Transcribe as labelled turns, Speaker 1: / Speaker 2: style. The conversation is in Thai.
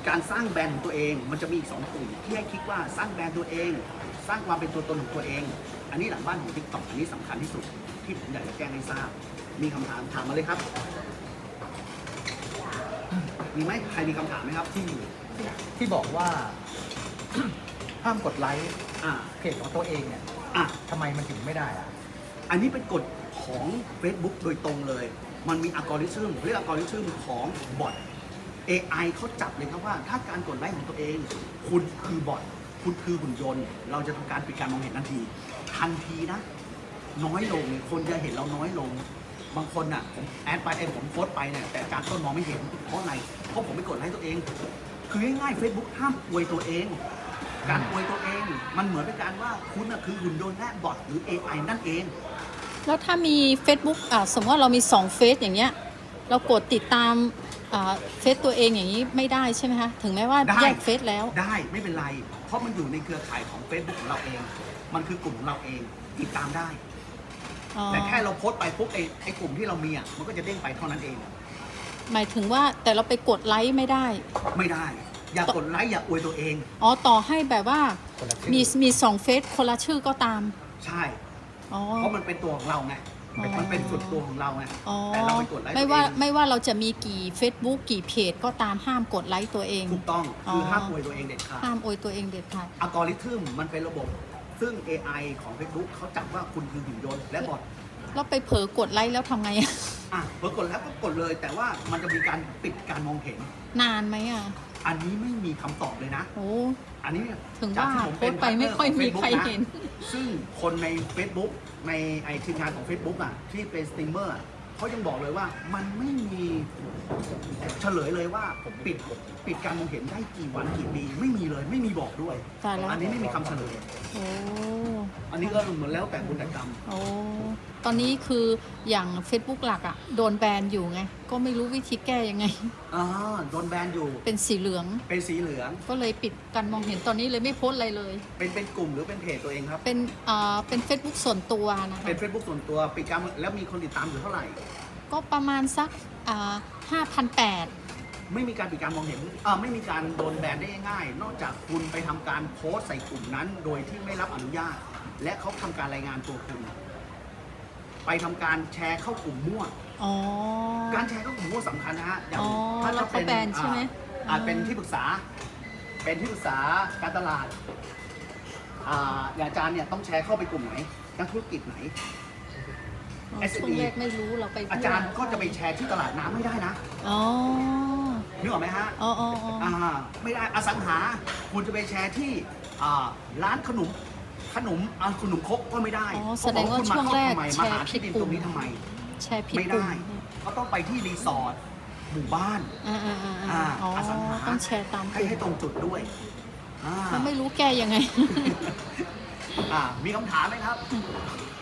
Speaker 1: การสร้างแบรนด์ของตัวเองมันจะมีอีก2 กลุ่มที่ให้คิดว่าสร้างแบรนด์ตัวเอง สร้างความเป็นตัวตนของตัวเอง อันนี้หลังบ้านของ TikTok อันนี้สำคัญที่สุดที่ผมอยากจะแจ้งให้ทราบมีคำถามถามมาเลยครับมีไหมใครมีคำถามไหมครับ
Speaker 2: ที่บอกว่า ห้ามกดไลค์
Speaker 1: อ่า
Speaker 2: เพจของตัวเองเนี่ย
Speaker 1: อ่ะ
Speaker 2: ทำไมมันถึงไม่ได้อะ
Speaker 1: อันนี้เป็นกฎของ Facebook โดยตรงเลย มันมีอัลกอริทึมเรียกอัลกอริทึมของบอท AI เขาจับเลยครับว่าถ้าการกดไลค์ของตัวเอง คุณคือบอทคุณคือหุ่นยนต์ เราจะทำการปิดการมองเห็นทันทีนะ น้อยลงคนจะเห็นเราน้อยลง บางคนน่ะผมแอดไปผมโพสต์ไปเนี่ยแต่อาจารย์ต้นมองไม่เห็นเพราะอะไรเพราะผมไม่กดไลค์ตัวเอง คือง่ายๆ Facebook ห้ามอวยตัวเอง การอวยตัวเอง มันเหมือนเป็นการว่าคุณน่ะคือหุ่นยนต์และบอทหรือ AI นั่นเอง
Speaker 3: แล้วถ้ามี Facebook สมมติว่าเรามี2เฟซอย่างเงี้ยเรากดติดตามเฟซตัวเองอย่างนี้ไม่ได้ใช่ไหมคะถึงแม้ว่า
Speaker 1: ได้
Speaker 3: แยกเฟซแล้ว
Speaker 1: ได้ไม่เป็นไร เพราะมันอยู่ในเครือข่ายของ Facebook ของเราเอง มันคือกลุ่มของเราเองติดตามได้ แต่แค่เราโพสต์ไปปุ๊บไอ้กลุ่มที่เรามีอ่ะมันก็จะเด้งไปเท่านั้นเอง
Speaker 3: หมายถึงว่าแต่เราไปกดไลค์ไม่ได้
Speaker 1: ไม่ได้ อย่ากดไลค์อย่าอวยตัวเอง
Speaker 3: อ๋อต่อให้แบบว่า
Speaker 2: คนละชื่อ
Speaker 3: มี2เฟซคนละชื่อก็ตาม
Speaker 1: ใช่
Speaker 3: อ๋อ
Speaker 1: เพราะมันเป็นตัวของเราไง
Speaker 3: อ๋อ
Speaker 1: มันเป็นส่วนตัวของเราไง
Speaker 3: อ๋อ
Speaker 1: แต่เราไปกดไลค์
Speaker 3: ไม่ว่า
Speaker 1: ตัวเอง
Speaker 3: ไม่ว่าเราจะมีกี่ Facebook กี่เพจก็ตามห้ามกดไลค์ตัวเอง
Speaker 1: ถูกต้องคือห้ามอวยตัวเองเด็ดขาด
Speaker 3: ห้ามอวยตัวเองเด็ดขาด
Speaker 1: อัลกอริทึมมันเป็นระบบ ซึ่ง AI ของ Facebook เขาจับว่าคุณคือหุ่นยนต์และบอท
Speaker 3: แล้วไปเผลอกดไลค์แล้วทำไงอะ
Speaker 1: อ่ะพอกดแล้วก็กดเลย แต่ว่ามันจะมีการปิดการมองเห็น
Speaker 3: นานไหมอ่ะ
Speaker 1: อันนี้ไม่มีคำตอบเลยนะ
Speaker 3: โอ้
Speaker 1: อันนี้
Speaker 3: ถึง
Speaker 1: จาก
Speaker 3: ว่า
Speaker 1: ที่ผม
Speaker 3: โพ
Speaker 1: เป็
Speaker 3: ส
Speaker 1: น
Speaker 3: ต์ไปไม่ค่อยมีใคร
Speaker 1: Facebook นะ
Speaker 3: เห็น
Speaker 1: ซึ่งคนใน Facebook ในทีมงานของ Facebook อ่ะที่เป็นสตรีมเมอร์เขายังบอกเลยว่ามันไม่มีเฉลยเลยว่าผมปิดการมองเห็นได้กี่วันกี่ปีไม่มีเลยไม่มีบอกด้วย
Speaker 3: ตายแล้ว
Speaker 1: อันนี้ไม่มีคำเฉลย
Speaker 3: โอ้
Speaker 1: อันนี้ก็เหมือนแล้วแต่บุญแต่กรรม
Speaker 3: โอ้ตอนนี้คืออย่าง Facebook หลักอ่ะโดนแบนอยู่ไง ก็ไม่รู้วิธีแก้ยังไง
Speaker 1: อ่าโดนแบนอยู่
Speaker 3: เป็นสีเหลือง
Speaker 1: เป็นสีเหลือง
Speaker 3: ก็เลยปิดการมองเห็นตอนนี้เลยไม่โพสต์อะไรเลย
Speaker 1: เป็นกลุ่มหรือเป็นเพจตัวเองครับ
Speaker 3: เป็น Facebook ส่วนตัวนะคะ
Speaker 1: เป็น Facebook ส่วนตัวปิดการแล้วมีคนติดตามอยู่เท่าไหร่
Speaker 3: ก็ประมาณสัก5,800
Speaker 1: ไม่มีการปิดการมองเห็นไม่มีการโดนแบนได้ง่ายๆ นอกจากคุณไปทำการโพสต์ใส่กลุ่มนั้น โดยที่ไม่รับอนุญาต และเขาทำการรายงานตัวคุณ ไปทำการแชร์เข้ากลุ่มมั่ว
Speaker 3: อ๋อ
Speaker 1: การแชร์เข้ากลุ่มมั่วสำคัญนะฮะ อย่าง
Speaker 3: อ๋อ
Speaker 1: ถ้า
Speaker 3: แล้วเขาแบนใช่ไหม
Speaker 1: อาจเป็นที่ปรึกษา เป็นที่ปรึกษาการตลาดอย่างอาจารย์เนี่ยต้องแชร์เข้าไปกลุ่มไหนนักธุรกิจไหน
Speaker 3: อ๋อช่วงแรกไม่รู้เราไป
Speaker 1: อาจารย์ก็จะไปแชร์ที่ตลาดน้ำไม่ได้นะ
Speaker 3: อ๋อ
Speaker 1: นึกออกไหมฮะ
Speaker 3: อ๋ออ๋ออ๋อ
Speaker 1: ไม่ได้อสังหาคุณจะไปแชร์ที่ร้านขนมขนมครกก็ไม่ได้
Speaker 3: อ๋อแสดงว่าช่วงแรก
Speaker 1: มา
Speaker 3: แช
Speaker 1: หา
Speaker 3: ร์
Speaker 1: ที่
Speaker 3: ผิด
Speaker 1: ดิน
Speaker 3: ก
Speaker 1: ตร
Speaker 3: ลุ่ม
Speaker 1: งนี้ทำไม
Speaker 3: แชร์ผิด
Speaker 1: ไม่
Speaker 3: กลุ่ม
Speaker 1: ได้ก็ต้องไปที่รีสอร์ทหมู่บ้าน
Speaker 3: อ๋อ
Speaker 1: อสังหา
Speaker 3: ต้องแชร์ตามกลุ่ม
Speaker 1: ให้ตรงจุดด้วยอ่า
Speaker 3: เราไม่รู้แก้ยังไง
Speaker 1: มีคำถามไหมครับ